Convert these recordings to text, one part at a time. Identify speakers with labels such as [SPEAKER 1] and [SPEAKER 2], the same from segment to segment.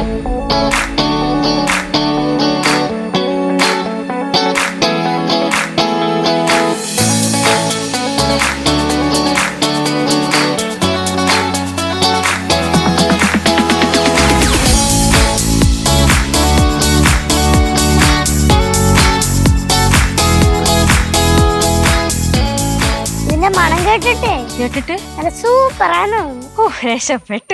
[SPEAKER 1] കേട്ടിട്ട് സൂപ്പറാണ്. ഓ രക്ഷപ്പെട്ട്.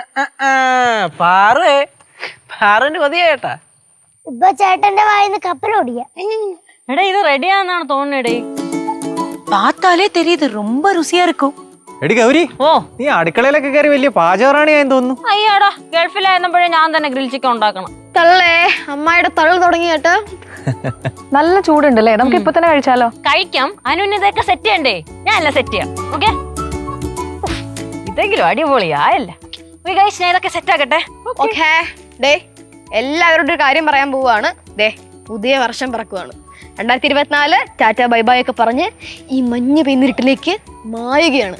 [SPEAKER 2] പാറുവിന് കൊതിയായിട്ടാ.
[SPEAKER 1] ഇപ്പൊ ചേട്ടന്റെ വായിന്ന് കപ്പലോടിയ.
[SPEAKER 3] എടാ ഇത് റെഡിയാന്നാണ് തോന്നുന്നേടേ.
[SPEAKER 4] பார்த்தாலே தெரியுது ரொம்ப ருசியா இருக்கும்.
[SPEAKER 2] എടി ഗൗരി,
[SPEAKER 3] ഓ
[SPEAKER 2] നീ അടുക്കളയിലൊക്കെ കയറി വലിയ പാചകറാണിയായെന്ന് തോന്നുന്നു.
[SPEAKER 3] അയ്യാടാ, ഗൾഫിലായിരുന്നപ്പോഴേ ഞാൻ തന്നെ ഗ്രിൽ ചിക്കൻ ഉണ്ടാക്കണം.
[SPEAKER 4] തള്ളേ, അമ്മായിയുടെ തള്ളു തുടങ്ങി കേട്ടോ. നല്ല ചൂടുണ്ടല്ലേ, നമുക്ക് ഇപ്പൊ തന്നെ കഴിച്ചാലോ?
[SPEAKER 3] കഴിക്കാം. അനുവിന് ഇതൊക്കെ സെറ്റ് ചെയ്യണ്ടേ? ഞാനല്ല സെറ്റ് ചെയ്യാം. ഓക്കെ, ഇതെങ്കിലും അടിപൊളിയായല്ല. ഞാൻ ഇതൊക്കെ സെറ്റ് ആക്കട്ടെ.
[SPEAKER 4] ഓക്കേ ഡേ, എല്ലാവരോടും ഒരു കാര്യം പറയാൻ പോവാണ്. ദേ, പുതിയ വർഷം പിറക്കുവാണ്. 2024 ടാറ്റ ബൈ ബൈ ഒക്കെ പറഞ്ഞ് ഈ മഞ്ഞ പെയ്യുന്നിരുട്ടിലേക്ക് മറയുകയാണ്.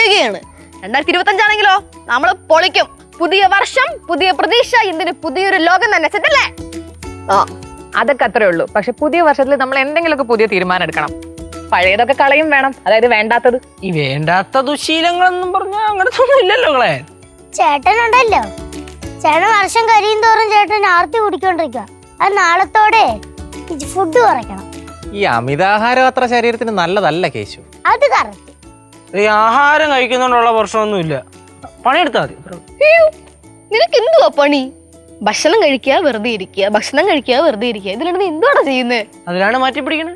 [SPEAKER 4] 2025 ആണെങ്കിലോ നമ്മള് പൊളിക്കും. പുതിയ വർഷം, പുതിയ പ്രതീക്ഷ, എന്തിന് പുതിയൊരു ലോകം തന്നെ. സെറ്റല്ലേ?
[SPEAKER 5] അതൊക്കെ അത്രേ ഉള്ളൂ. പക്ഷെ പുതിയ വർഷത്തിൽ നമ്മൾ എന്തെങ്കിലുമൊക്കെ പുതിയ തീരുമാനം എടുക്കണം. പഴയതൊക്കെ കളയും വേണം. അതായത് വേണ്ടാത്തത്.
[SPEAKER 2] ഈ വേണ്ടാത്ത ദുശീലങ്ങളെന്നും പറഞ്ഞാൽ അങ്ങനത്തൊന്നും ഇല്ലല്ലോ കളയാൻ.
[SPEAKER 1] ചേട്ടനുണ്ടല്ലോ, ചേട്ടൻ വർഷം കഴിയും തോറും ചേട്ടൻ ആർത്തി കുടിക്കൊണ്ടിരിക്കുക. അത് നാളത്തോടെ ഫുഡ് കുറയ്ക്കണം.
[SPEAKER 2] ഈ അമിതാഹാരം അത്ര ശരീരത്തിന് നല്ലതല്ല കേശു.
[SPEAKER 1] അത് കറക്റ്റ്.
[SPEAKER 2] ഈ ആഹാരം കഴിക്കുന്നോണ്ടുള്ള പ്രശ്നമൊന്നുമില്ല. പണിയെടുത്താൽ മതി.
[SPEAKER 4] നിനക്ക് എന്തുവാ പണി? ഭക്ഷണം കഴിക്കുക, വെറുതെ ഇരിക്കുക, ഭക്ഷണം കഴിക്കുക, വെറുതെ ഇരിക്കുക. ഇതിലാണ് നീ എന്തുവാണ് ചെയ്യുന്നത്?
[SPEAKER 2] അതിലാണ് മാറ്റി പിടിക്കണത്.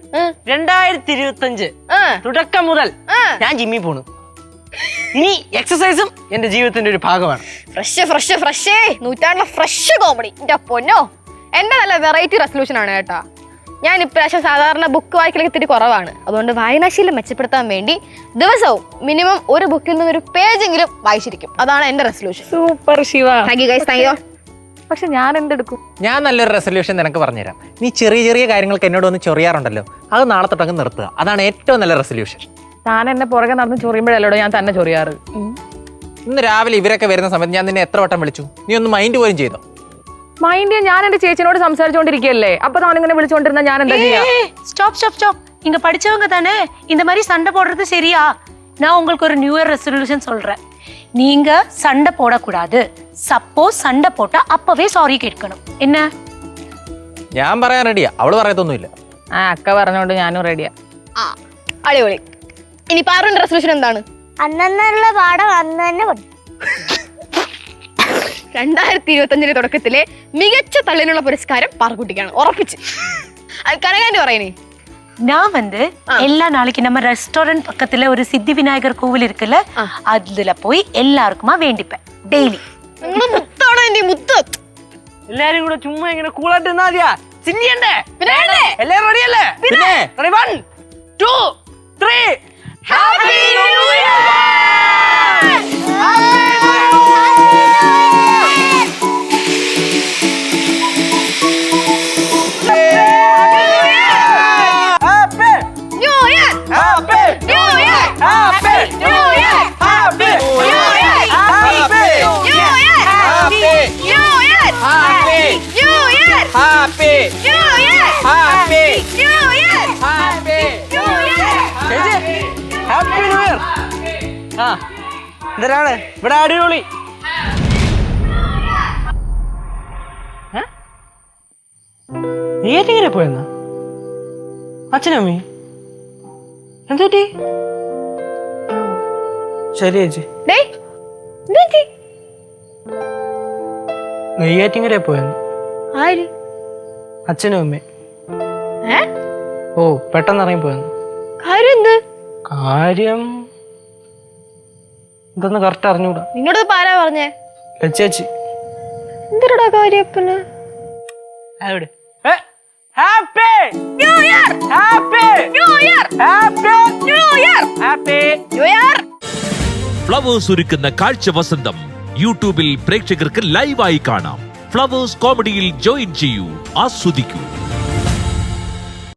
[SPEAKER 2] 2025 തുടക്കം മുതൽ ഞാൻ ജിമ്മിൽ പോണു. ഇനി എക്സസൈസും എന്റെ ജീവിതത്തിന്റെ ഒരു ഭാഗമാണ്.
[SPEAKER 4] ഫ്രഷ് നൂറ്റാണ്ടിലെ ഫ്രഷ് കോമഡി. എന്റെ പൊന്നോ, എന്റെ നല്ല വെറൈറ്റി റെസൊല്യൂഷൻ ആണ് കേട്ടാ. ഞാൻ ഇപ്രാവശ്യം സാധാരണ ബുക്ക് വായിക്കലൊക്കെ ഇത്തിരി കുറവാണ്. അതുകൊണ്ട് വായനാശീലം മെച്ചപ്പെടുത്താൻ വേണ്ടി ദിവസവും മിനിമം ഒരു ബുക്കിൽ നിന്ന് ഒരു പേജെങ്കിലും വായിച്ചിരിക്കും. അതാണ് എന്റെ resolution.
[SPEAKER 5] Super Shiva.
[SPEAKER 4] Thank you guys, thank you.
[SPEAKER 5] പക്ഷെ ഞാൻ എന്തെടുക്കും?
[SPEAKER 2] ഞാൻ നല്ലൊരു റെസൊല്യൂഷൻ നിനക്ക് പറഞ്ഞുതരാം. നീ ചെറിയ ചെറിയ കാര്യങ്ങൾക്ക് എന്നോട് ഒന്ന് ചൊറിയാറുണ്ടല്ലോ, അത് നാളെ തൊട്ടങ്ങ് നിർത്തുക. അതാണ് ഏറ്റവും നല്ല റെസൊല്യൂഷൻ.
[SPEAKER 5] താൻ എന്നെ പുറകെ നടന്ന് ചൊറിയുമ്പോഴല്ലോ ഞാൻ തന്നെ ചൊറിയാറ്.
[SPEAKER 2] ഇന്ന് രാവിലെ ഇവരൊക്കെ വരുന്ന സമയത്ത് ഞാൻ നിന്നെ എത്ര വട്ടം വിളിച്ചു? നീ ഒന്ന് മൈൻഡ് പോലും ചെയ്തോ?
[SPEAKER 5] മൈൻഡ്, ഞാൻ എന്റെ ചേച്ചിനോട് സംസാരിച്ചോണ്ടിരിക്കുകയല്ലേ. അപ്പൊ താനിങ്ങനെ വിളിച്ചോണ്ടിരുന്ന ഞാൻ എന്താ ചെയ്യാ?
[SPEAKER 4] ஸ்டாப். இங்க படிச்சவங்க தானே இந்த மாதிரி சண்டை போடுறது சரியா? நான் உங்களுக்கு ஒரு நியூ இயர் ரெசல்யூஷன் சொல்றேன். நீங்க சண்டை போடக்கூடாது. சப்போஸ் சண்டை போட்டா அப்பவே சாரி கேட்கணும். என்ன?
[SPEAKER 2] ഞാൻ പറയാൻ റെഡിയാ, അവള് പറയത്തൊന്നുമില്ല.
[SPEAKER 5] അക്ക പറഞ്ഞോണ്ട് ഞാനും റെഡിയാ.
[SPEAKER 4] അടിപൊളി. ഇനി പാറുവിന്റെ റെസല്യൂഷൻ എന്താണ്?
[SPEAKER 1] അന്നുള്ള പാഠം അന്ന് തന്നെ പഠിക്കും.
[SPEAKER 4] 2025 തുടക്കത്തിലെ മികച്ച തള്ളിനുള്ള പുരസ്കാരം പാറുക്കുട്ടിക്കാണ്, ഉറപ്പിച്ച്. അത് കനകാന്റെ പറയുന്നേ.
[SPEAKER 6] நான் வந்து எல்லா நாளைக்கு நம்ம ரெஸ்டாரண்ட் பக்கத்துல ஒரு சித்தி விநாயகர் கோவில் இருக்குல்ல, அதுல போய் எல்லாருக்குமா வேண்டிப்பேன் டெய்லி.
[SPEAKER 4] മുത്താണ് എന്റെ മുത്ത്.
[SPEAKER 2] എല്ലാരും കൂടെ ചുമ്മാ ഇങ്ങനെ കൂളായിട്ട് നിന്നാ മതിയാ? ചിന്തിയണ്ടേ? എല്ലാരും റെഡിയല്ലേ? പിന്നെ 1 2 3 ഹാപ്പി ന്യൂ ഇയർ. എന്തിനാണ് ഇവിടെ അടിപൊളി? നീങ്ങനെ പോയെന്നാ? അച്ഛനമ്മേ എന്തുപറ്റി? ശരി ചേച്ചി. നെയ്യാറ്റിങ്ങരെ പോയെന്ന്. അച്ഛനും അമ്മേ. ഓ, പെട്ടെന്ന് ഇറങ്ങി പോയെന്ന്. കാര്യം ഇതൊന്ന് കറക്റ്റ് അറിഞ്ഞൂടാ.
[SPEAKER 4] നിന്നോട് ആരാ പറഞ്ഞേ?
[SPEAKER 2] ചേച്ചി.
[SPEAKER 4] എന്തിനാ കാര്യപ്പന്?
[SPEAKER 2] അവിടെ happy new year, happy new year, happy new year, happy new year.
[SPEAKER 7] Flowers ഒരുക്കുന്ന കാഴ്ച വസന്തം യൂട്യൂബിൽ പ്രേക്ഷകർക്ക് ലൈവായി കാണാം. ഫ്ലവേഴ്സ് കോമഡിയിൽ ജോയിൻ ചെയ്യൂ, ആസ്വദിക്കൂ.